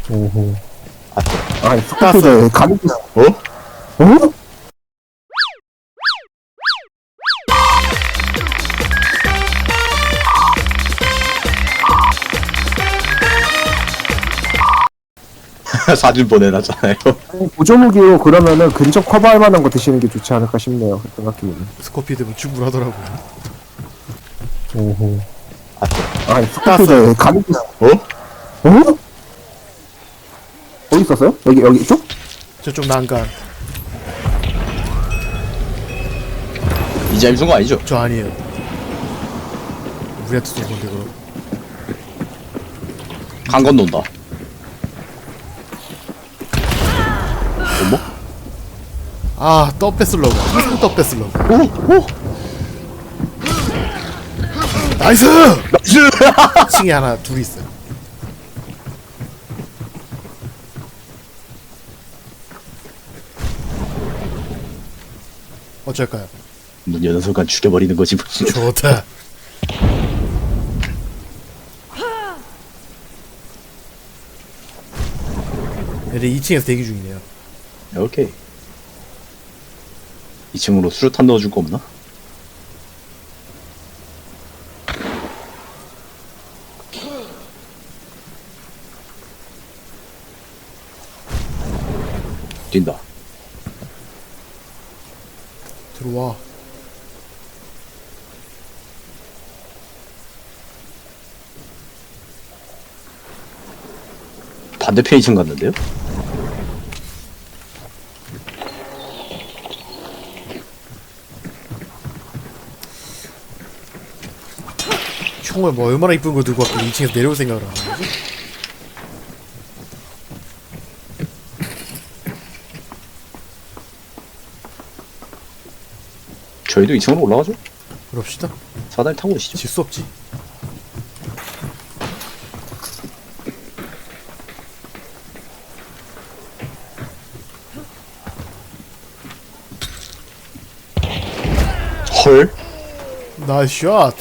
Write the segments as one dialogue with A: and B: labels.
A: 오호.
B: 아니 스카프를 가는 어? 어?
C: 사진 보내놨잖아요.
B: 아니, 보조무기로 그러면은 근접 커버할 만한 거 드시는 게 좋지 않을까 싶네요. 생각해보면.
D: 스코피드면 충분하더라고요.
A: 오호.
B: 아니 스카프를 가는
C: 어?
B: 어? 어디 있었어요? 여기 이쪽?
D: 저쪽 난간.
C: 이자임 쏜거 아니죠?
D: 저 아니에요. 우리한테 쏜 건데 그럼.
C: 강 건넌다. 어머?
D: 아, 떡배슬러그. 항상 떡배슬러그.
C: 오!
D: 나이스!
C: 나이스!
D: 2층에 하나, 둘이 있어요. 어쩔까요?
C: 문 여는 순간 죽여버리는 거지 뭐.
D: 좋다. 얘들 2층에서 대기 중이네요.
C: 오케이. 2층으로 수류탄 넣어줄 거 없나? 뛴다.
D: 들어와.
C: 반대편 2층 갔는데요?
D: 총을 뭐 얼마나 이쁜 거 들고 왔고 2층에서 내려올 생각을 안 하는 거지?
C: 저희도 2층으로 올라가죠?
D: 그럽시다.
C: 사다리 타고 오시죠.
D: 질 수 없지.
C: 헐?
D: 나이스 샷.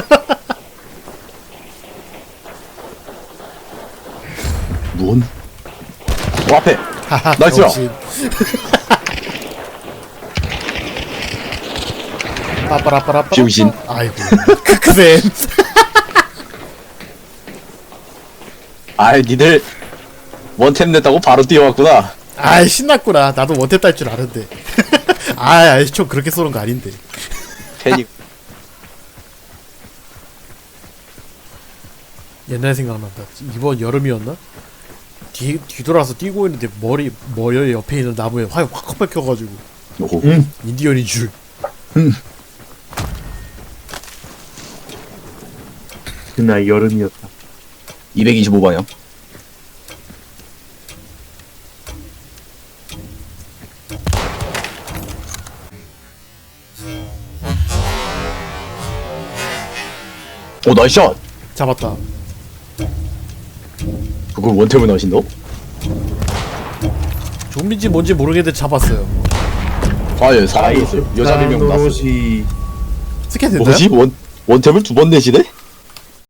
C: 뭔? 앞에!
D: 하하,
C: 나이스야.
D: 병신. 빠빠라빠라빠.
C: 병신.
D: 아이고. 크크센.
C: 아이, 니들 원템 냈다고 바로 뛰어왔구나.
D: 아이, 신났구나. 나도 원탭 딸 줄 아는데. 아이, 총 그렇게 쏘는 거 아닌데.
C: 패닉.
D: 옛날 생각난다. 이번 여름이었나? 뒤돌아서 뛰고 있는데 머리 옆에 있는 나무에 화염 확 뺏겨가지고
C: 오호.
D: 인디언인 줄.
A: 그날 여름이었다.
C: 225방향. 오, 나이스 샷!
D: 잡았다.
C: 그걸 원템을 넣으신다?
D: 좀비인지 뭔지 모르겠는데 잡았어요.
C: 아, 예, 살아있어요. 여자 4명 났어.
A: 도로시.
D: 스캔 됐나요?
C: 뭐지? 원템을 두 번 내시네?